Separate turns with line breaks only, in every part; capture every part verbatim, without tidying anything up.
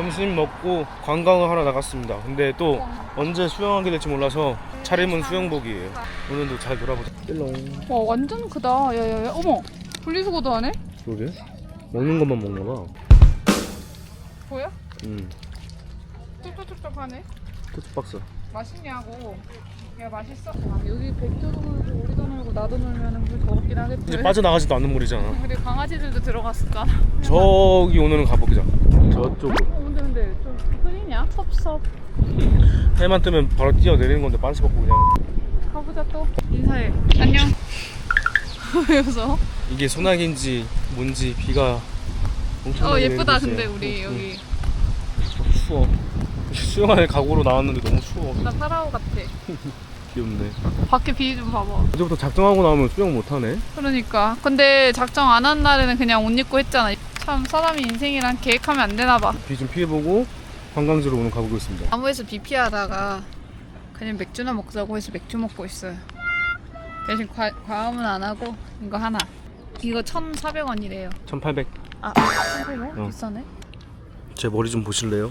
점심 먹고 관광을 하러 나갔습니다. 근데 또 언제 수영하게 될지 몰라서 차림은 수영복이에요. 오늘도 잘 놀아보자. 롱.
와 완전 크다. 야야야 어머 분리수거도 하네?
그러게? 먹는 것만 먹나봐.
보여?
응.
뚝뚝뚝뚝 하네.
토스박스.
맛있냐고. 야 맛있어? 아, 여기 백조도 놀고 우리도 놀고 나도 놀면 물 더럽긴 하겠지.
이제 빠져나가지도 않는 물이잖아.
그리고 강아지들도 들어갔을까?
저기 오늘은 가보자. 저쪽으로.
어 근데 근데 좀 흐리냐? 섭섭.
해만 뜨면 바로 뛰어내리는 건데 반스 벗고 그냥.
가보자 또. 인사해. 안녕. 왜 웃어?
이게 소나기인지 뭔지 비가 엄청
어 예쁘다 근데 우리
응,
여기.
응. 추워. 수영할 각오로 나왔는데 너무 추워.
나 파라오 같아.
귀엽네.
밖에 비 좀 봐봐.
이제부터 작정하고 나오면 수영 못하네.
그러니까. 근데 작정 안 한 날에는 그냥 옷 입고 했잖아. 참 사람이 인생이란 계획하면 안 되나 봐.
비 좀 피해보고 관광지로 오늘 가보겠습니다.
나무에서 비 피하다가 그냥 맥주나 먹자고 해서 맥주 먹고 있어요. 대신 과, 과음은 안 하고 이거 하나. 이거 천사백 원이래요.
천팔백.
아, 천팔백 원?
어.
비싸네.
제 머리 좀 보실래요?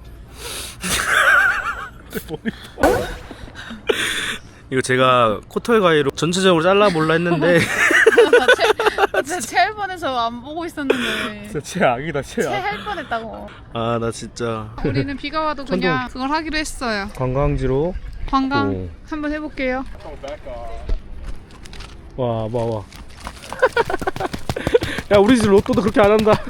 제 머리. 이거 제가 코털 가위로 전체적으로 잘라볼라 했는데
진짜 체할 뻔해서 안 보고 있었는데
진짜 최악이다 최악.
체할 뻔했다고.
아 나 진짜
우리는 비가 와도 그냥 그걸 하기로 했어요.
관광지로
관광
오.
한번 해볼게요.
와 와 와. 야 우리 집 로또도 그렇게 안 한다.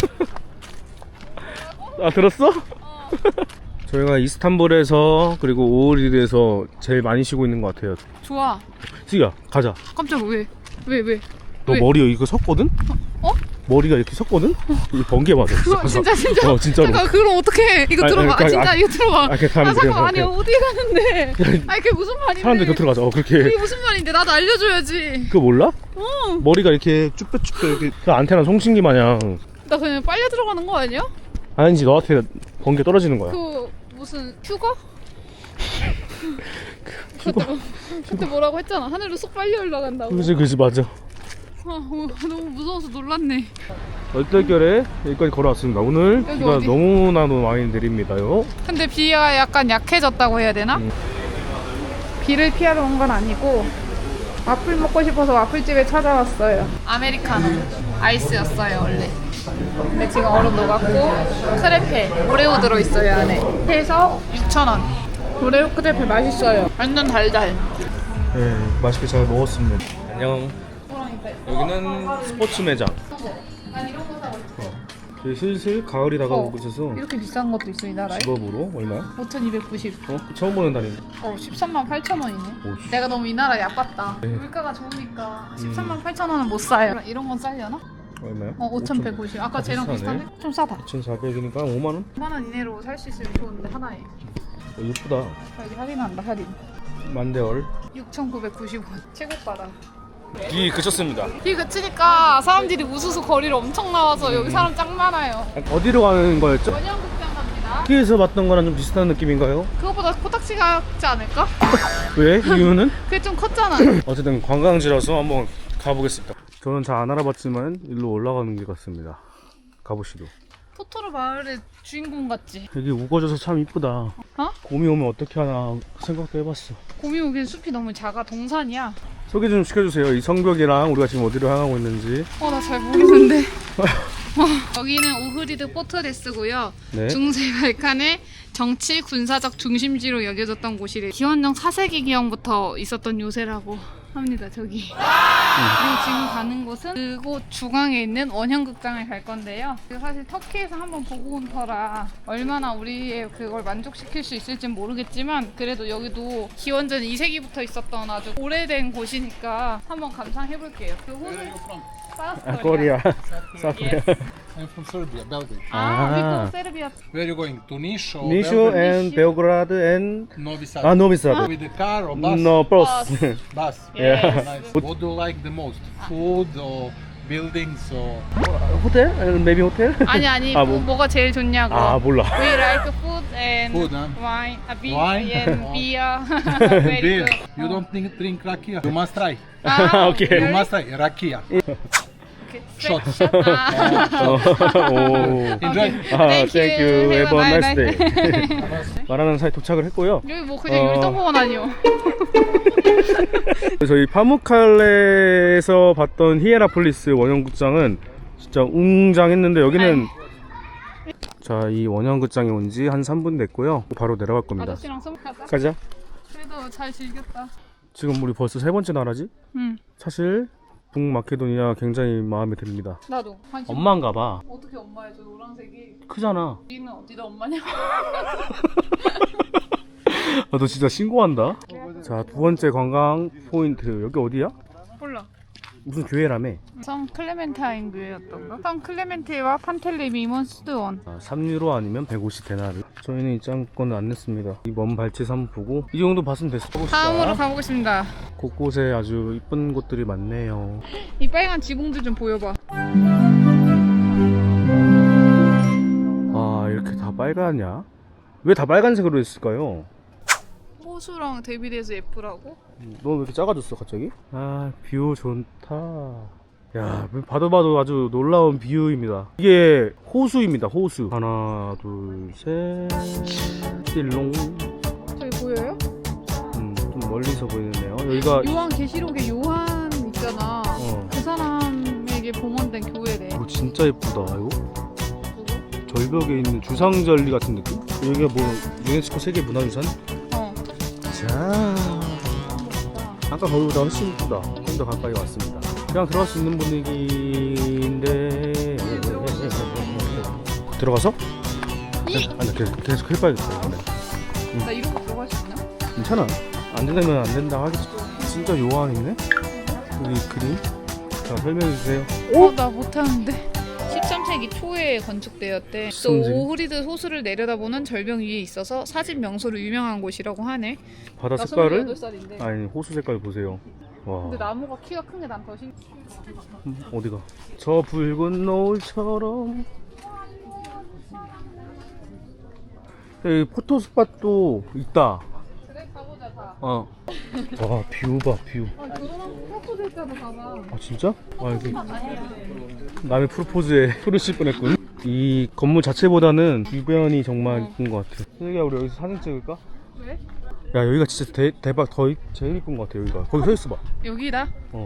아 들었어?
어.
저희가 이스탄불에서 그리고 오흐리드에서 제일 많이 쉬고 있는 것 같아요.
좋아.
지야 가자.
깜짝 왜? 왜 왜?
너
왜?
머리 이거 섰거든?
어?
머리가 이렇게 섰거든? 이 번개 맞아.
그거 진짜 진짜.
어 진짜로.
잠깐 그럼 어떡해? 이거
아니,
들어봐.
아니,
아, 진짜
아니,
이거 들어봐.
아, 그냥 가면
아
돼,
잠깐
그냥
아니
가.
어디 가는데? 아니 그게 무슨 말인데?
사람들 곁으로 가자. 어 그렇게.
이게 무슨 말인데? 나도 알려줘야지.
그거 몰라?
어.
머리가 이렇게 쭈뼛쭈뼛 이렇게 그 안테나 송신기 마냥.
나 그냥 빨려 들어가는 거 아니야?
아니지 너한테 번개 떨어지는 거야.
그 무슨 휴거? 그때, 뭐- 그때 뭐라고 했잖아. 하늘로 쏙 빨려 올라간다고.
그지 그지 맞아.
아, 어, 너무 무서워서 놀랐네.
얼떨결에 여기까지 걸어왔습니다. 오늘
여기
비가
어디?
너무나도 많이 내립니다요.
근데 비가 약간 약해졌다고 해야 되나?
음.
비를 피하러 온 건 아니고 와플 먹고 싶어서 와플집에 찾아왔어요. 아메리카노 아이스였어요 원래. 근데 지금 얼음 녹았고 크레페 오레오 들어있어요 안에. 해서 육천 원. 오레오 크레페 맛있어요. 완전 달달.
네 맛있게 잘 먹었습니다. 안녕. 여기는 스포츠 매장.
난 이런 거 사고 싶어.
어. 슬슬 가을이 다가오고 있어서
이렇게 비싼 것도 있어 이 나라에?
집업으로 얼마야?
오천이백구십.
어? 처음 보는 달인.
어 십삼만 팔천 원이네.
오, 씨.
내가 너무 이 나라 얕봤다.
네.
물가가 좋으니까 십삼만 팔천 원은 못 사요. 이런 건 싸려나?
얼마야?
어 오천백오십. 아까
아,
쟤랑
비싸네.
비슷하네? 좀 싸다.
이천사백이니까 오만 원?
오만 원 이내로 살 수 있으면 좋은데 하나에.
어, 예쁘다.
여기 할인한다 할인.
만대얼.
육천구백구십 원. 최고가다.
비 그쳤습니다.
비 그치니까 사람들이 우수수 거리로 엄청 나와서 여기 사람 짱 많아요.
어디로 가는 거였죠?
원형극장 갑니다.
티에서 봤던 거랑 좀 비슷한 느낌인가요?
그것보다 코딱지 같지 않을까?
왜? 이유는?
그게 좀 컸잖아.
어쨌든 관광지라서 한번 가보겠습니다. 저는 잘 안 알아봤지만 일로 올라가는 길 같습니다. 가보시죠.
토토로 마을의 주인공 같지?
여기 우거져서 참 이쁘다.
어?
곰이 오면 어떻게 하나 생각도 해봤어.
곰이 오긴 숲이 너무 작아. 동산이야.
소개 좀 시켜주세요. 이 성벽이랑 우리가 지금 어디로 향하고 있는지.
어 나 잘 모르는데. 어, 여기는 오흐리드 포트레스고요.
네.
중세 발칸의 정치 군사적 중심지로 여겨졌던 곳이래. 기원전 사 세기 기원부터 있었던 요새라고 합니다. 저기. 그리고 지금 가는 곳은 그곳 중앙에 있는 원형극장을 갈 건데요. 사실 터키에서 한번 보고 온 터라 얼마나 우리의 그걸 만족시킬 수 있을진 모르겠지만 그래도 여기도 기원전 이 세기부터 있었던 아주 오래된 곳이니까 한번 감상해볼게요. 그 호수
아, 코리아. 사프리아.
I'm from Serbia, Belgrade.
아,
아.
미국 세르비아.
Where are you going? To Niš or
니쇼
Belgrade?
and 베오그라드 and
Novi Sad.
아 노비사드.
With the car or bus?
No bus.
Bus.
Yes.
Nice. What do you like the most? Food or buildings or?
호텔? maybe 호텔?
아니 아니
아,
뭐,
뭐.
뭐가 제일 좋냐고.
아 몰라.
We like food and
Food, huh?
wine, a beer
Wine?
and
Oh.
beer. Very
Beer.
good.
You don't drink, drink rakia? You must try.
아,
오케이.
You
really?
must try rakia.
Okay.
shot.
아,
오.
Enjoy.
아,
Thank
thank
you.
you. Have a
Have a
nice day.
nice
말하는 사이 도착을 했고요.
여기 뭐 그냥
어.
율동공원 아니요?
저희 파무칼레에서 봤던 히에라폴리스 원형극장은 진짜 웅장했는데 여기는 자, 이 원형극장에 온 지 한 삼 분 됐고요. 바로 내려갈 겁니다.
아저씨랑 썸 가자.
가자.
그래도 잘 즐겼다.
지금 우리 벌써 세 번째 나라지?
응.
사실 북마케도니아 굉장히 마음에 듭니다.
나도 관심.
엄마인가 봐.
어떻게 엄마야? 저 노란색이.
크잖아.
여기는 어디다 엄마냐?
아, 너 진짜 신고한다. 자, 두 번째 관광 포인트. 여기 어디야?
몰라.
무슨 교회라며?
성 클레멘타인 교회였던가? 성 클레멘테와 판텔레미몬 수도원.
아, 삼 유로 아니면 백오십 데나르. 저희는 입장권을 안 냈습니다. 이 먼 발치 삼 보고 이 정도 봤으면 됐어.
다음으로 가보겠습니다.
곳곳에 아주 이쁜 곳들이 많네요.
이 빨간 지붕들 좀 보여봐.
아, 이렇게 다 빨갛냐? 왜 다 빨간색으로 했을까요?
호수랑 대비돼서 예쁘라고?
너 왜 이렇게 작아졌어 갑자기? 아, 뷰 좋다. 야, 봐도 봐도 아주 놀라운 뷰입니다. 이게 호수입니다. 호수. 하나 둘셋 띠롱.
저기 보여요?
음, 좀 멀리서 보이네요. 여기가
요한 계시록에 요한 있잖아.
어.
그 사람에게 봉헌된 교회래.
이거 진짜 예쁘다. 이거 절벽에 있는 주상절리 같은 느낌? 여기가 뭐 유네스코 세계 문화유산?
어.
자, 아까 거기보다 훨씬 이쁘다. 좀 더 가까이 왔습니다. 그냥 들어갈 수 있는 분위기인데 들어가서?
이!
아니, 나 계속, 계속 해봐야겠다. 이번에.
나 이러고 들어갈 수 있나?
괜찮아. 안 된다면 안 된다 하겠지. 진짜 요한이네? 여기 그림? 자, 설명해주세요.
어, 나 못하는데. 십삼 세기 초에 건축되었대. 또
십삼 세기?
오흐리드 호수를 내려다보는 절벽 위에 있어서 사진 명소로 유명한 곳이라고 하네.
바다
나
색깔을?
스물여덟 살인데.
아니, 호수 색깔 보세요. 와.
근데 나무가 키가 큰 게 난 더 신기해.
음, 어디가? 저 붉은 노을처럼. 여기 포토스팟도 있다.
그래, 가보자, 다.
어. 와, 뷰 봐, 뷰.
아, 결혼하고 프로포즈 했잖아, 봐봐.
아, 진짜? 아, 여기 남의 프로포즈에 소리 칠 뻔했군. 이 건물 자체보다는 주변이 정말 이쁜 것 같아. 슬기야, 우리 여기서 사진 찍을까?
왜?
야, 여기가 진짜 대, 대박 더 이- 제일 이쁜 것 같아. 여기가. 거기 서 있어 봐.
여기다?
어.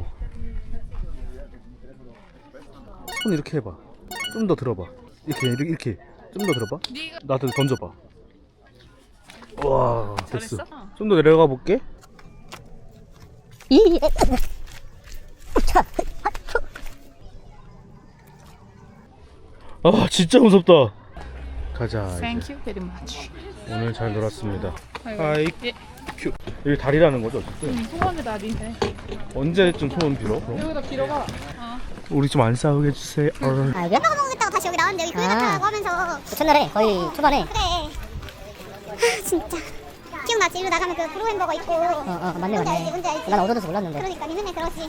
손 이렇게 해봐. 좀 더 들어봐. 이렇게 이렇게, 이렇게. 좀 더 들어봐.
네가
나한테 던져봐. 와, 됐어.
잘했어?
좀 더 내려가 볼게. 아, 진짜 무섭다. 가자. 이제.
Thank you very much.
오늘 잘 놀았습니다.
아이고.
하이.
예.
큐. 여기 다리라는 거죠, 어쨌든.
응, 소원의 날이네.
언제쯤 소원 빌어? 그럼?
여기다 빌어봐. 어.
우리 좀 안 싸우게 해주세요. 어.
아, 왜 먹어 먹겠다고 다시 여기 나왔는데 여기 교회 같다고 하면서
그 첫날에 거의 초반에
그래. 아, 진짜 기억나지? 일로 나가면 그 브로 햄버거 있고.
어, 어 맞네
뭔지 알지?
맞네
뭔지 알지?
난 얻어져서 몰랐는데
그러니까 니 맨날 그러지.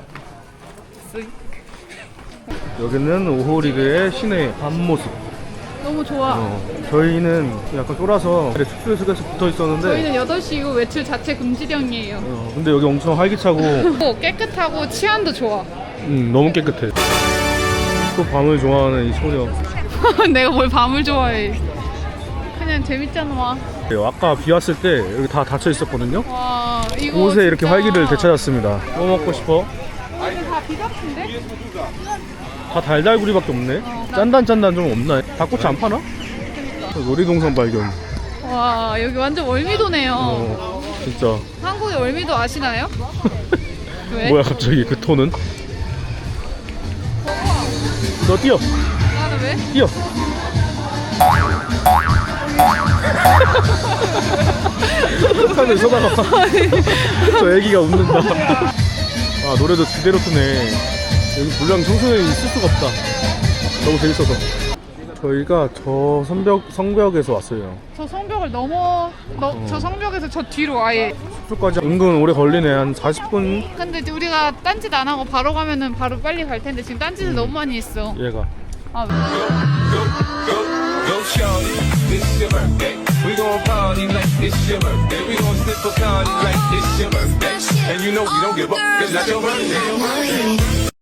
여기는 오호리그의 시내 밤모습.
너무 좋아.
어, 저희는 약간 쫄아서 숙소에 숙에서 붙어 있었는데
저희는 여덟 시 이후 외출 자체 금지령이에요.
어, 근데 여기 엄청 활기차고
또 깨끗하고 치안도 좋아.
음, 너무 깨끗해. 또 밤을 좋아하는 이 소녀.
내가 뭘 밤을 좋아해. 그냥 재밌잖아.
아까 비 왔을 때 여기 다 닫혀 있었거든요.
와, 이거
곳에 이렇게
진짜-
활기를 되찾았습니다. 뭐 먹고 싶어?
이거 다비 같은데?
다 달달구리밖에 없네. 짠단짠단 좀 없나? 닭꼬치 안 파나? 놀이동산 발견.
와, 여기 완전 월미도네요.
어, 진짜.
한국의 월미도 아시나요? 왜?
뭐야 갑자기 그 톤은? 너 뛰어,
나는 왜?
뛰어. 하늘 쏟아가. 저 애기가 웃는다. 아, 노래도 제대로 트네. 여기 불량 청소년이 있을 수가 없다. 너무 재밌어서. 저희가 저 성벽, 성벽에서 왔어요.
저 성벽을 넘어, 너, 저 성벽에서 저 뒤로 아예.
숙소까지 은근 오래 걸리네. 한 사십 분.
근데 이제 우리가 딴짓 안 하고 바로 가면은 바로 빨리 갈 텐데 지금 딴짓을 너무 많이 했어.
얘가.
아, 왜?
Go shorty, this your birthday. We gon' party like it's your birthday. We gon' sip a party like it's your birthday. And you know we don't give up, 'cause that's your birthday.